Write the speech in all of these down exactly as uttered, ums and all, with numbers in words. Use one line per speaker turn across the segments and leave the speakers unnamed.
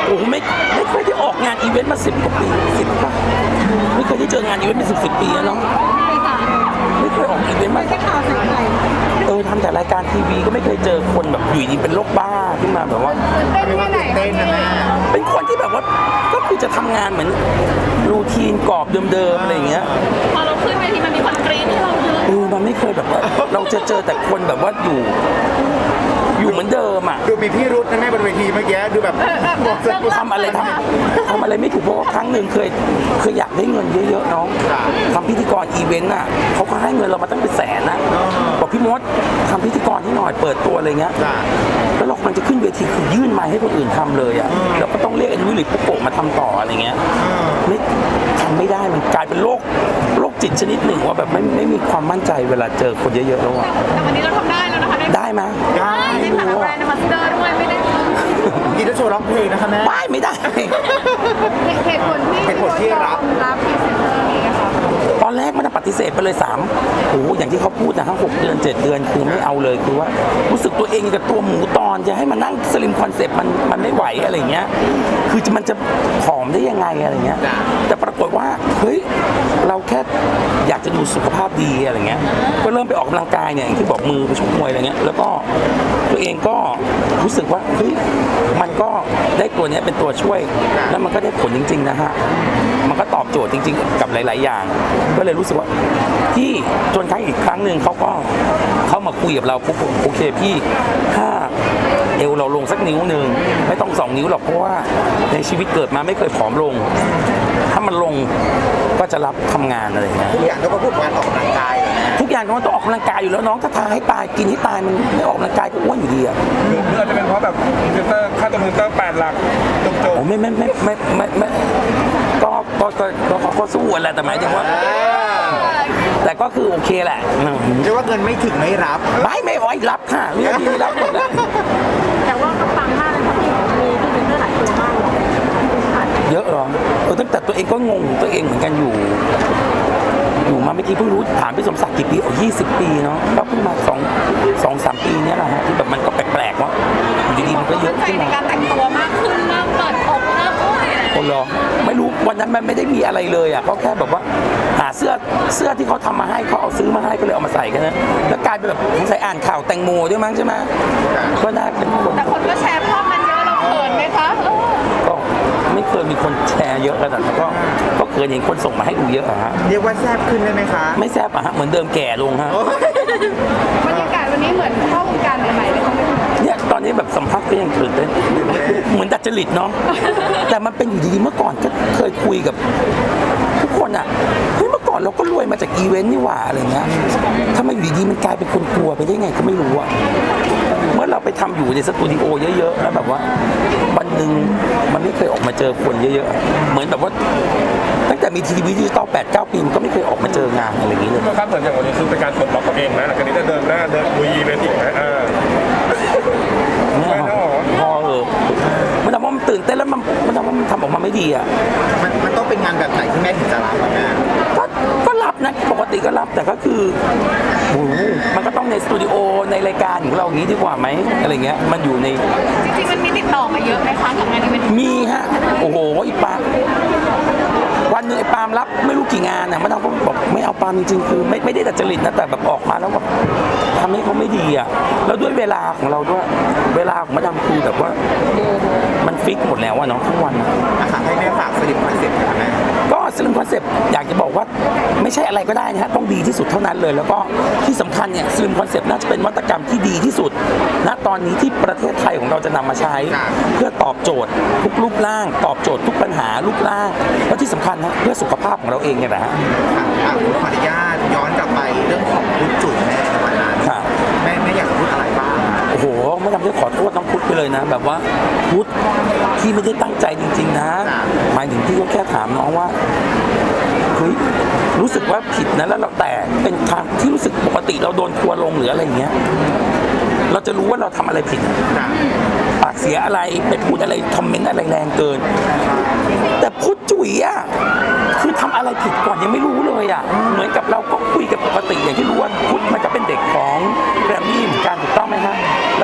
โอ้โหไม่ไม่เคยได้ออกงานอีเวนต์มาสิบกว่าปีสิบป่ะไม่เคยได้เจองานอีเวนต์เป็นสิบสิบปีแล้วเนาะไม่เคยออกอีเวนต์มาเออทำแต่รายการทีวีก็ไม่เคยเจอคนแบบอยู่ดีเป็นโรคบ้าขึ้นมาแบบว่า
เต้นแค่ไหนเต้นนะแม่
เป็นคนที่แบบว่าก็คือจะทำงานเหมือนรูทีนกรอบเดิมๆอะไรอย่างเงี้ย
พอเราขึ้นเวทีมันมีคนกรี๊ดให้เราเยอะ
เออมันไม่เคยแบบว่า เราจะเจอแต่คนแบบว่าอยู่ อยู่เหมือนเดิมอ่ะ
ดูมีพี่รุธนะแม่บนเวทีเมื่อกี้ดูแบบบอกจะ
ทำอะไรทำทำอะไรไม่ถูกเพราะว่าครั้งหนึ่งเคยเคยอยากได้เงินเยอะๆน้องทำพิธีกรอีเวนต์อ่ะเขาก็ให้เงินเรามาตั้งเป็นแสนนะบอกพี่มดทำพิธีกรที่หน่อยเปิดตัวอะไรเงี้ยแล้วเรามันจะขึ้นเวทีคือยื่นไมค์ให้คนอื่นทำเลยอ่ะแล้วก็ต้องเรียกไอ้นุ้ยหรือปุ๊กโกะมาทำต่ออะไรเงี้ยไม่ทำไม่ได้มันกลายเป็นโรคโรคจิตชนิดหนึ่งว่าแบบไม่ไม่มีความมั่นใจเวลาเจอคนเยอะๆแล้วอ่ะ
แต่วันนี้เราทำได้แล้วนะคะ
ได้ไหม
ได้
ในฐานะแบรนด์มาสเตอร์ด้วยไม่ได้
กินจะโชว์ร้องเพลงนะคะแม่
ไม่ไม่ได้
เหตุผลที่
เหตุผลที่รับ
รับพรีเซนเตอร์นี้ค่ะ
ตอนแรกมันปฏิเสธไปเลยสามโอ้โหอย่างที่เขาพูดนะทั้งหกเดือนเจ็ดเดือนคือไม่เอาเลยคือว่ารู้สึกตัวเองกับตัวหมูตอนจะให้มานั่งสลิมคอนเซ็ปต์มันมันไม่ไหวอะไรเงี้ยคือจะมันจะผอมได้ยังไงอะไรเงี้ยแต่ปรากฏว่าเฮ้ยเราแค่อยากจะดูสุขภาพดีอะไรเงี้ยก็เริ่มไปออกกำลังกายเนี่ยอย่างที่บอกมือไปชกมวยอะไรเงี้ยแล้วก็ตัวเองก็รู้สึกว่าเฮ้ยมันก็ได้ตัวเนี้ยเป็นตัวช่วยแล้วมันก็ได้ผลจริงๆนะฮะมันก็ตอบโจทย์จริงๆกับหลายๆอย่างก็เลยรู้สึกว่าที่จนครั้งอีกครั้งหนึ่งเขาก็เข้ามาคุยกับเราปุ๊บโอเคพี่ถ้าเอวเราลงสักนิ้วหนึ่งไม่ต้องสองนิ้วหรอกเพราะว่าในชีวิตเกิดมาไม่เคยผอมลงถ้ามันลงก็จะรับทำงานอะไรอย่างเงี้ย
ทุกอย่างต้องมาพูดการออกกำลังกาย
ทุกอย่างมันต้องออกกำลังกายอยู่แล้วน้องถ้าทาให้ตายกินให้ตายมันไม่ออกกำลังกายก็อ้วนอยู่ดีอะ
หรืออาจจะเป็นเพราะแบบพรีเซนเตอร์ค่าตัวพรีเซนเตอร์แปดหลักจบจบ
โอ้ไม่ไม่ไม่ไม่ไม่ไม่ก็ก็ก็ก็เขาก็สู้แหละแต่หมายถึงว่า แต่ก็คือโอเคแหละอืม
เรียกว่าเงินไม่ถึงไม่รับ
ไม่ไม่อ้อยรับค่ะเรื่องนี้รับหมดแล้ว
แต่ว่าก็ปังมากเลยค่ะพี่มีพรีเซนเตอร์หลายตัวมากเลย
เยอะเหรอเออตั้งแต่ตัวเองก็งงตัวเองเหมือนกันอยู่ อยู่มาเมื่อกี้เพิ่งรู้ถามพี่สมศักดิ์กี่ปีโอ้ยี่สิบปีเนาะก็เพิ่งมาสองสองสามปีเนี้ยแหละฮะที่แบบมันก็แปลกๆว่าอยู่ดีๆมันก็เยอะ
ใจ
ขึ้น
ใน
มา
การแต่งตัวมากขึ้นมากเปิดอกมากโอ้ย
โอ้เหรอไม่รู้วันนั้นมันไม่ได้มีอะไรเลยอ่ะเขาแค่แบบว่าหาเสื้อเสื้อที่เขาทำมาให้เขาเอาซื้อมาให้ก็เลยเอามาใส่กันนะแล้วกลายเป็นแบบสงสัยอ่านข่าวแตงโมด้วยมั้งใช่ไหมก็น่าเป็นคน
แต่คนก็แชร์ภาพมันเยอะเราเขินไหมคะเออ
ก็ไม่เคยมีคนแชร์เยอะขนาดนั้นก็ก็เคยเห็นคนส่งมาให้ดูเยอะอะฮะ
เรียกว่าแซ่บขึ้นได้ไหมคะ
ไม่แซ่บอะฮะเหมือนเดิมแก่ลงฮะ
บรรยากาศวันนี้เหมือนเข้าวงการใหม่ๆเลยค่ะ
เนี่ยตอนนี้แบบสัมภาษณ์ก็ยังตื่นเต้นเหมือนดัดจริตเนาะแต่มันเป็นอยู่ดีๆเมื่อก่อนก็เคยคุยกับทุกคนอะเฮ้ยเมื่อก่อนเราก็รวยมาจากอีเวนต์นี่หว่าอะไรเงี้ยทำไมอยู่ดีๆมันกลายเป็นคนกลัวไปได้ไงก็ไม่รู้อะเมื่อเราไปทำอยู่ในสตูดิโอเยอะๆแล้วแบบว่าวันหนึ่งมันไม่เคยออกมาเจอคนเยอะๆเหมือนแบบว่าตั้งแต่มีทีวีดิจิตอลแปดเก้าปีมันก็ไม่เคยออกมาเจองานอะไรอย่างนี้เลย
ก็ครับเหมือนอย่างวันนี้คือเป็นการปลดล็อกตัวเองนะหลังจากนี้จะเดินหน้าเดินลุยอีเวนต์อีกนะอ่า
เนี่ยพอเออมันทำว่ามันตื่นเต้นแล้วมันมันทำว่ามันทำออกมาไม่ดีอ่ะ
มันมันต้องเป็นงานแบบไหนที่แม่ถึงจะรับอะแม่
ก็ก็รับนะปกติก็รับแต่ก็คือโอ้โหมันก็ต้องในสตูดิโอในรายการของเราอย่างนี้ดีกว่าไหมอะไรเงี้ยมันอยู่ใน
จริงๆมันมีติดต่อมาเยอะไหมคะกับงานอีเวนต์
มีฮะโอ้โหอีปาวันหนึงไอ้ปาล์มรับไม่รู้กี่งานน่ะมันเอาก็บอกไม่เอาปาล์มจริงๆคือไม่ไม่ได้ดัดจริตนะแต่แบบออกมาแล้วแบบทำให้เขาไม่ดีอ่ะแล้วด้วยเวลาของเราด้วยเวลาของมาดามคือแบบว่ามันฟิกหมดแล้วอะเนาะทั้งวันอะ
อาหารให้แม่ฝากสลิปคอนเซ็ปต์ค่ะแม่
ก็สลิมคอนเซปต์อยากจะบอกว่าไม่ใช่อะไรก็ได้นะฮะต้องดีที่สุดเท่านั้นเลย แล้วก็ที่สำคัญเนี่ยสลิมคอนเซปต์น่าจะเป็นนวัตกรรมที่ดีที่สุดณตอนนี้ที่ประเทศไทยของเราจะนำมาใช้ เพื่อตอบโจทย์ทุกรูปร่าง ตอบโจทย์ทุกปัญหารูปร่างและที่สำคัญนะเพื่อสุขภาพของเราเองเนี่ยแหละฮะ
ค่ะอ่ะขออนุญาตย้อนกลับไปเรื่องของพุทธจุ๋ยแม่ในวันนั้น
ค่ะ
แม่แม่อยากจะพูดอะไรบ้าง
โอ้โหไม่ทำได้ขอโทษน้องพุทธไปเลยนะ แบบว่าพุทธที่ไม่ได้ตั้งใจจริง ๆ นะ หมายถึงพี่ก็แค่ถามน้องว่าเฮ้ยรู้สึกว่าผิดนะแล้วเราแต่เป็นทางที่รู้สึกปกติเราโดนทัวร์ลงหรืออะไรอย่างเงี้ยเราจะรู้ว่าเราทำอะไรผิด
ค่ะ
ปากเสียอะไรไปพูดอะไรคอมเมนต์อะไรแรงเกิน แต่พุทธจุ๋ยอ่ะคือทำอะไรผิดก่อนยังไม่รู้เลยอ่ะเหมือนกับเราก็คุยกับปกติอย่างที่รู้ว่าพุทธมันก็เป็นเด็กของแกรมมี่เหมือนกันถูกต้องไหมฮะแล้วก็มีการ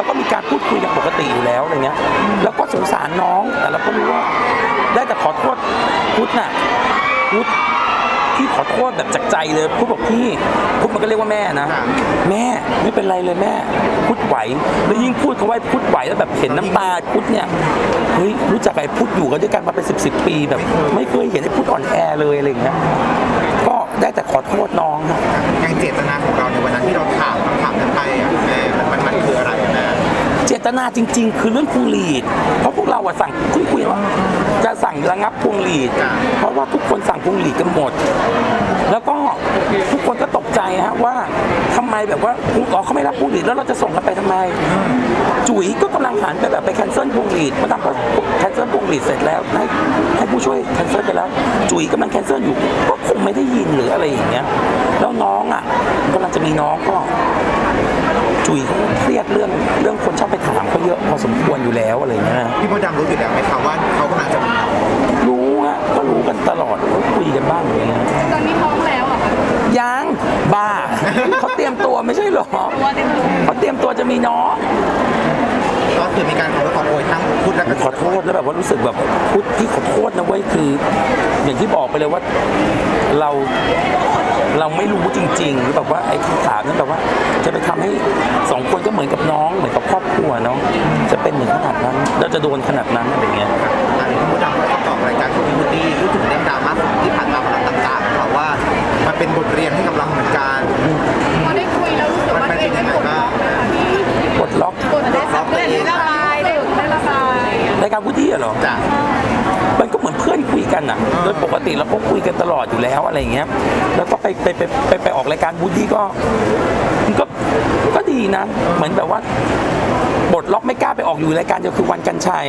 พูดคุยกันปกติอยู่แล้วอะไรเงี้ยแล้วก็สงสารน้องแต่เราก็รู้ว่าได้แต่ขอโทษพุทธน่ะพุทธพี่ขอโทษแบบจากใจเลยพุทธบอกพี่พุทธมันก็เรียกว่าแม่นะแม่ไม่เป็นไรเลยแม่พุทธไหวแล้วยิ่งพูดเขาว่าพุทธไหวแล้วแบบเห็นน้ำตาพุทธเนี่ยเฮ้ยรู้จักไอ้พุทธอยู่กันด้วยกันมาเป็นสิบสิบปีแบบไม่เคยเห็นไอ้พุทธอ่อนแอเลยอะไรอย่างเงี้ยก็ได้แต่ขอโทษน้องครับ
อย่างเจตนาของเราในวันนั้นที่เราถามคำถามนั้นไปอ่ะแม่มันมันคืออะไรอะแม่
เจตนาจริงๆ คือเรื่องพวงหลีดเพราะพวกเราอะสั่งคุยคุยว่าจะสั่งระงับพวงหลีดเพราะว่าทุกคนสั่งพวงหลีดกันหมด แล้วก็ทุกคนก็ตกใจฮะว่าทำไมแบบว่าอ๋อเขาไม่รับพวงหลีดแล้วเราจะส่งกันไปทำไม จุ๋ยก็กำลังหันไปแบบไปแคนเซิลพวงหลีดมาทำก็แคนเซิลพวงหลีดเสร็จแล้วให้ให้ผู้ช่วยแคนเซิลไปแล้วจุ๋ยกำลังแคนเซิลอยู่ก็คงไม่ได้ยินหรืออะไรอย่างเงี้ยแล้วน้องอ่ะกำลังจะมีน้องก็ จุ๋ยเขาเครียดเรื่องเรื่องคนชอบไปถามเขาเยอะพอสมควรอยู่แล้วอะไรอย่างเงี้ยนะ
พี่มดดำรู้อยู่แล้วไหมครับว่าเขากำลังจะมี
รู้ฮะก็รู้กันตลอดก็คุยกันบ้างอย่างเงี้ย
ตอนนี้ท้องแล้วอะค่ะ
ยังบ้า เขาเตรียมตัวไม่ใช่หรอ
ตัวเต็มตัว
เขาเตรียมตัวจะมีน้อง
ก็คือมีการขอโทษขอโพยทั้งพุทธและกระ
ขอโทษแล้วแบบว่ารู้สึกแบบพุทธที่ขอโทษนะเว้ยคือ อย่างที่บอกไปเลยว่าเราเราไม่รู้จริงๆหรือแบบว่าไอ้คำถามนั้นแบบว่าจะไปทำให้สองคนก็เหมือนกับน้องเหมือนกับครอบครัวเนาะจะเป็นเหมือนขนาดนั้นเราจะโดนขนาดนั้นอะไรเงี้ย
อันนี้พี่มดดำก็ตอบรายการของพี่วูดดี้รู้ถึงเรื่องดราม่าที่ผ่านมาของเราต่างๆค่ะว่ามันเป็นบทเรียนให้กับเราเหมือนกัน
พอได้คุยแล้วรู้สึกว่าตัวเองได้กดล็อกไหมคะพี่
ปลดล็อก
กดได้สักเรื่องได้ระบายได้ได้ระบาย
รายการพุทธิอะเหรอ
จ้ะ
มันก็เหมือนเพื่อนคุยกันอ่ะ โดยปกติเราก็คุยกันตลอดอยู่แล้วอะไรอย่างเงี้ย แล้วก็ไปไปไปไปไปออกรายการบูดดี้ก็มันก็ก็ดีนะ เหมือนแบบว่าบทล็อกไม่กล้าไปออกอยู่รายการเดียวคือวันกันชัย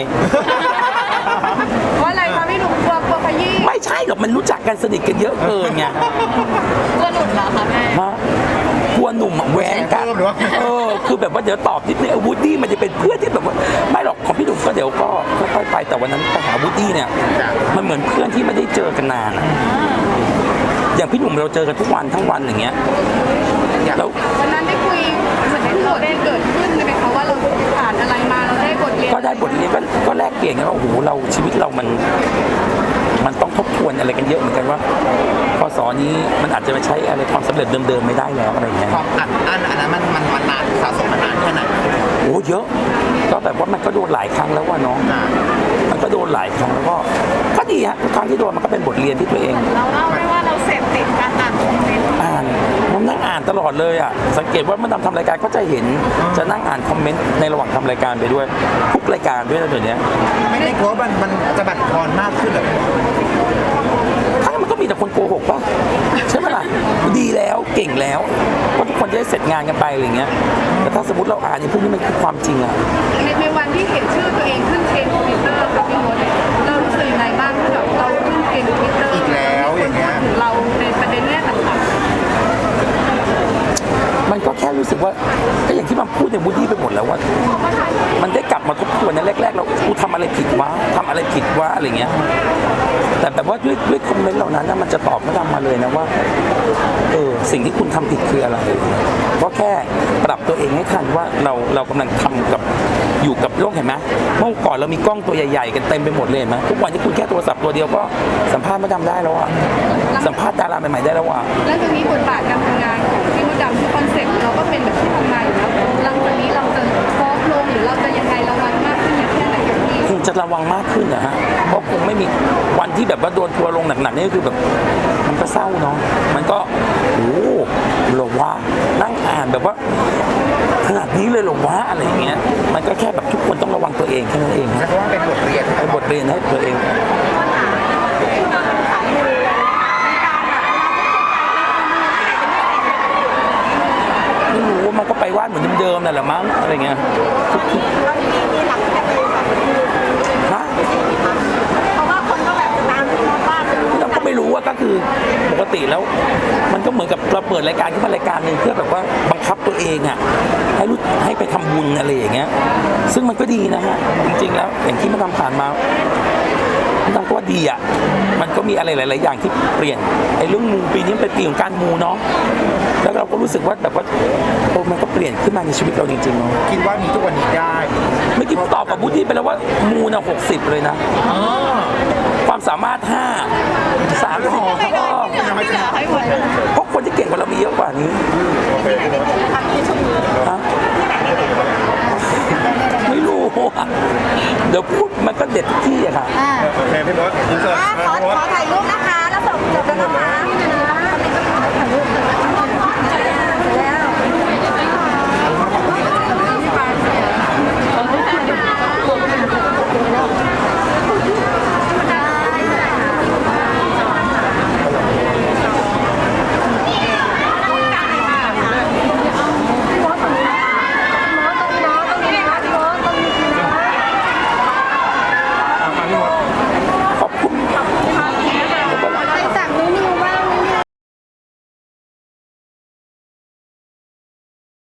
ว่าอะไรคะพี่หนุ่มกลัวกลัวขยี้
ไม่ใช่หรอกมันรู้จักกันสนิทกันเยอะเกินไง
กลัวหลุดเหรอคะแม่
ฮะกลัวหนุ่มอะแหวงกันเออคือแบบว่าเดี๋ยวตอบนิดนึงบูดดี้มันจะเป็นเพื่อนที่แบบว่าไม่หรอกของพี่หนุ่มก็เดี๋ยวก็ค่อยๆไปแต่วันนั้นไปหาบูดดี้เนี่ยมันเหมือนเพื่อนที่ไม่ได้เจอกันนานอะอย่างพี่หนุ่มเราเจอกันทุกวันทั้งวันอย่างเงี้ยแล้ว
วันนั้นได้คุยเหมือนได้โจทย์ที่เกิดขึ้นเลยไหมคะว่าเราผ่านอะไรมาเราได้บทเรียน
ก็ได้บทเรียนก็ก็แลกเปลี่ยนกันว่าโอ้โหเราชีวิตเรามันมันต้องทบทวนอะไรกันเยอะเหมือนกันว่าพศนี้มันอาจจะไม่ใช้อะไรความสำเร็จเดิมๆไม่ได้แล้วอะไรอย่างเงี้ย
ความอัดอั้นอันนั้นมันมันมันนานสะสมมานานแค่ไหน
โอ้เยอะก็แบบว่ามันก็โดนหลายครั้งแล้วว่าน้อง
จ้ะ
มันก็โดนหลายครั้งแล้วก็ก็ดีฮะทุกครั้งที่โดนมันก็เป็นบทเรียนที่ตัวเอง
เราเล่าไหมว่าเราเสพติดการอ่านคอมเมนต์
อ่านผมนั่งอ่านตลอดเลยอ่ะสังเกตว่าเมื่อทำทำรายการก็จะเห็นจะนั่งอ่านคอมเมนต์ในระหว่างทำรายการไปด้วยทุกรายการด้วยนะเดี๋ยวนี้
ไม่ได้กลัวว่ามันมันจะบั่นทอนมากขึ้นเหรอ
ถ้ามันก็มีแต่คนโกหกป่ะใช่ไหมล่ะดีแล้วเก่งแล้วว่าทุกคนจะได้เสร็จงานกันไปอะไรเงี้ยแต่ถ้าสมมติเราอ่านในพวกนี้มันคือความจริงอ่ะ
ในในวันที่เห็นชื่อตัวเองขึ้นเทรนด์ทวิตเตอร์ค่ะพี่มดเรารู้สึกยังไงบ้างที่แบบเราขึ้นเทรนด์ทวิตเตอร์
อีกแล้วอย่างเงี้ย
ถึงเราในประเด็นเนี้ยต่าง
มันก็แค่รู้สึกว่าก็อย่างที่มันพูดในบูดดี้ไปหมดแล้วว่า มันได้กลับมาทบทวนในแรกๆเรากูทำอะไรผิดวะทำอะไรผิดวะอะไรเงี้ยแต่แบบว่าด้วยด้วยคอมเมนต์เหล่านั้นนะมันจะตอบมาดำมาเลยนะว่าเออสิ่งที่คุณทำผิดคืออะไรก็แค่ปรับตัวเองให้ทันว่าเราเรากำลังทำกับอยู่กับโลกเห็นไหมเมื่อก่อนเรามีกล้องตัวใหญ่ๆกันเต็มไปหมดเลยเห็นไหมทุกวันที่คุณแค่โทรศัพท์ตัวเดียวก็สัมภาษณ์มาดำได้แล้วอะสัมภาษณ์ดาราใหม่ๆได้แล้วอะ
ๆแล้วจากนี้บทบาทการทำงานของพี่มดดำที่คอนเซ็ปต์เราก็เป็นแบบที่ทำงานอยู่แล้วหลังจากนี้เราจะซอฟต์ลงหรือเราจะยังไงระวังมากขึ้นอย่างแค่ไหนอย่างที่
คงจะระวังมากขึ้นนะฮะ เพราะคงไม่มีวันที่แบบว่าโดนทัวร์ลงหนักๆนี่ก็คือแบบมันก็เศร้าเนาะ มันก็โอ้โหเหรอวะนั่งอ่านแบบว่าขนาดนี้เลยเหรอวะอะไรอย่างเงี้ย มันก็แค่แบบทุกคนต้องระวังตัวเองแค่นั้นเอง
ใช้คำว่าเป็นบทเรียน
เป็นบทเรียนให้ตัวเอง ไม่รู้ว่ามันก็ไปวาดเหมือนเดิมๆนั่นแหละมั้งอะไรเงี้ยทุกๆฮะ
เพราะว่าคนก็แบบตามที่มดว่าเป็น
เราก็ไม่รู้ว่าก็คือปกติแล้ว มันก็เหมือนกับเราเปิดรายการขึ้นมารายการหนึ่งเพื่อแบบว่าบังคับตัวเองอ่ะให้รู้ให้ไปทำบุญอะไรอย่างเงี้ยซึ่งมันก็ดีนะฮะจริงๆแล้วอย่างที่มันทำผ่านมามันทำก็ว่าดีอ่ะมันก็มีอะไรหลายๆอย่างที่เปลี่ยนไอ้เรื่องมูปีนี้เป็นปีของการมูเนาะแล้วก็เราก็รู้สึกว่าแบบว่าโอ้มันก็เปลี่ยนขึ้นมาในชีวิตเราจริงๆเนาะ
คิดว่ามีทุกวันนี้ได้
ไม่คิดตอบกับบูดดี้ไปแล้วว่ามูนะหกสิบเลยนะ
อ๋อ
ความสามารถห้าสามสิบ
ไม่ได้ไม่ได้ไม่ได้ให้หมด
เพราะคนที่เก่งกว่าเรามีเยอะกว่านี้
โอเคพี่มด
ฮะไม่รู้อะเดี๋ยวพูดมันก็เด็ดทุกที่อะค่ะ
อ่า
โอเคพี่มดอินเสิร์ต
อ่ะขอ
พี่มด
ขอถ่ายรูปนะคะ แล้วส่งจบแล้วนะคะ